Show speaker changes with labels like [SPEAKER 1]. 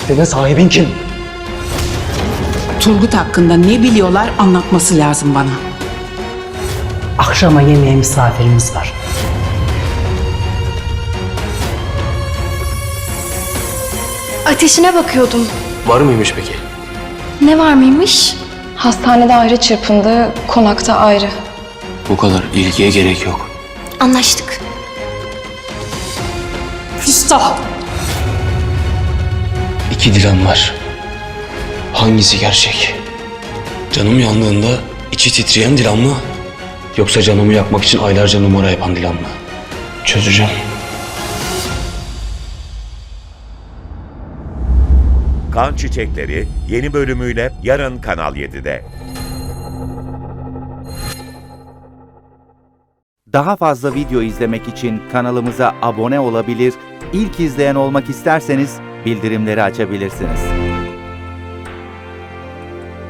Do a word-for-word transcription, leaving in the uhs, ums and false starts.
[SPEAKER 1] Deve sahibin kim?
[SPEAKER 2] Turgut hakkında ne biliyorlar anlatması lazım bana.
[SPEAKER 3] Akşama yemeğe misafirimiz var.
[SPEAKER 4] Ateşine bakıyordum.
[SPEAKER 5] Var mıymış peki?
[SPEAKER 4] Ne var mıymış?
[SPEAKER 6] Hastanede ayrı çırpındı, konakta ayrı.
[SPEAKER 5] Bu kadar ilgiye gerek yok.
[SPEAKER 4] Anlaştık.
[SPEAKER 2] Küstah!
[SPEAKER 5] İki Dilan var. Hangisi gerçek? Canım yandığında içi titreyen Dilan mı? Yoksa canımı yakmak için aylarca numara yapan Dilan mı? Çözeceğim.
[SPEAKER 7] Kan Çiçekleri yeni bölümüyle yarın Kanal yedide.
[SPEAKER 8] Daha fazla video izlemek için kanalımıza abone olabilir, ilk izleyen olmak isterseniz bildirimleri açabilirsiniz.